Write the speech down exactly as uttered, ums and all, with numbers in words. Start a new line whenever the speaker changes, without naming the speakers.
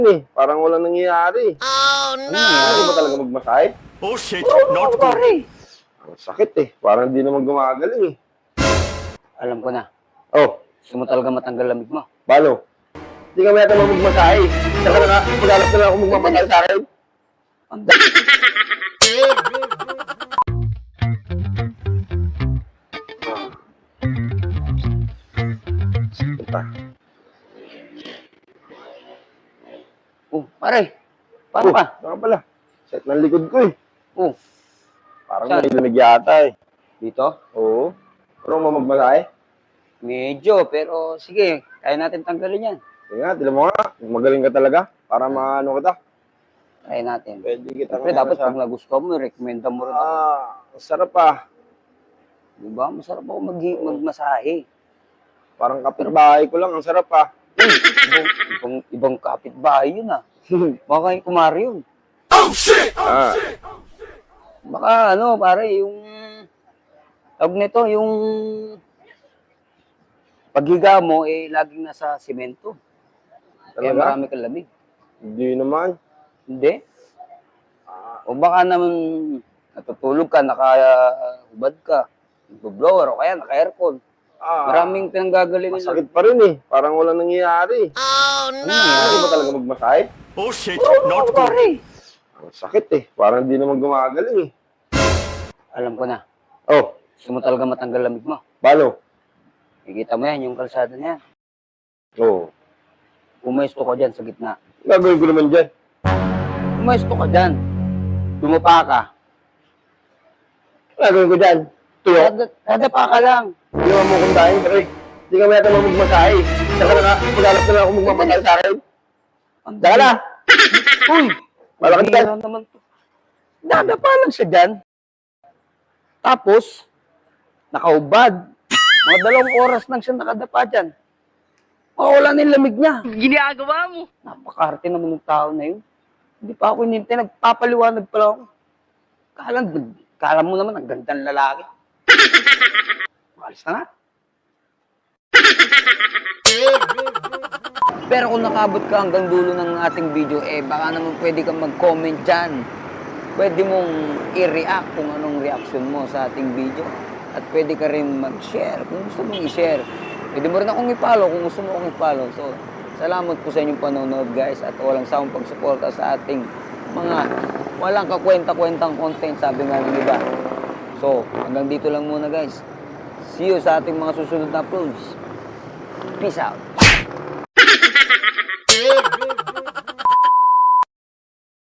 eh. Parang walang nangyayari.
Oh,
no! Ano ba talaga magmasahe?
Oh shit,
Oo,
not good.
pare.
Ang sakit eh. Parang hindi naman gumagaling eh.
Alam ko na.
Oh,
Gusto mo talaga matanggal lamig mo.
paano? Hindi ka mayata magmasahe. Saka na nga, maghanap na lang ako magmamasahe sa akin.
Ang dami.
Punta.
Oh, pare. Paano
Oh,
ka?
baka pala. Set ng likod ko eh.
Oh,
Parang
Saan?
may lamig yata eh.
dito?
Oo. Pero mo magmasahe?
Medyo, pero sige. Kaya natin tanggalin yan.
Sige nga, tinan mo nga. Magaling ka talaga. Para maano kita.
Kaya natin.
Pwede kita
Siyempre, dapat pag nagustuhan mo, recommenda mo rin ako.
Ah, sarap ah.
Diba? Masarap ako mag magmasahe.
Parang kapitbahay ko lang. Ang sarap ah.
Uy, ibang, ibang, ibang kapitbahay yun ah. Baka yung kumari yun.
ah.
Baka ano, pare, yung... Tawag nito, yung... Paghiga mo, eh, laging nasa simento. Kaya
Talaga?
marami kang lamig.
Hindi naman.
Hindi? O baka naman natutulog ka, nakahubad ka, nagbo-blower o kaya naka-aircon.
Ah,
Maraming pinanggagalingan.
masakit pa rin eh. Parang walang nangyayari.
Oh, no!
Ano ba talaga magmasahe?
Oh shit,
Oo,
not good.
pare.
Ang sakit eh. Parang hindi naman gumagaling eh.
Alam ko na.
Oh,
Gusto mo talaga matanggal lamig mo.
paano?
Ikita mo yan, yung kalsada niya.
Oo.
Pumesto ka dyan sa gitna.
Gagawin ko naman dyan.
Pumesto ka dyan. Dumapa ka.
Gagawin ko dyan. Tuyo.
Dada- Dadapa ka lang.
Hindi naman mo kong dahil, pre. Hindi ka mayata magmasahe. Saka na nga, maghanap na lang ako magmamasahe sa akin.
Ang
Saka na!
Uy!
Malaki
bihira
dyan.
naman to. Dadapa lang siya dyan. Tapos, nakaubad. Mga dalawang oras lang siya nakadapa dyan. Mawala na yung lamig niya.
Ginagawa mo.
Napakarte naman ng tao na yun. Hindi pa ako inintay. Nagpapaliwanag pala ako. Kala, kala mo naman, ang gandang lalaki. Malis na nga. Pero kung nakabot ka hanggang dulo ng ating video, eh baka naman pwede kang mag-comment dyan. Pwede mong i-react kung anong reaction mo sa ating video. At pwede ka rin mag-share kung gusto mong i-share. Pwede mo rin akong i-follow kung gusto mo akong i-follow. So, salamat po sa inyong panonood guys at walang sawang pagsuporta sa ating mga walang kakwenta-kwentang content, sabi nga ng iba. So, hanggang dito lang muna guys. See you sa ating mga susunod na uploads. Peace out.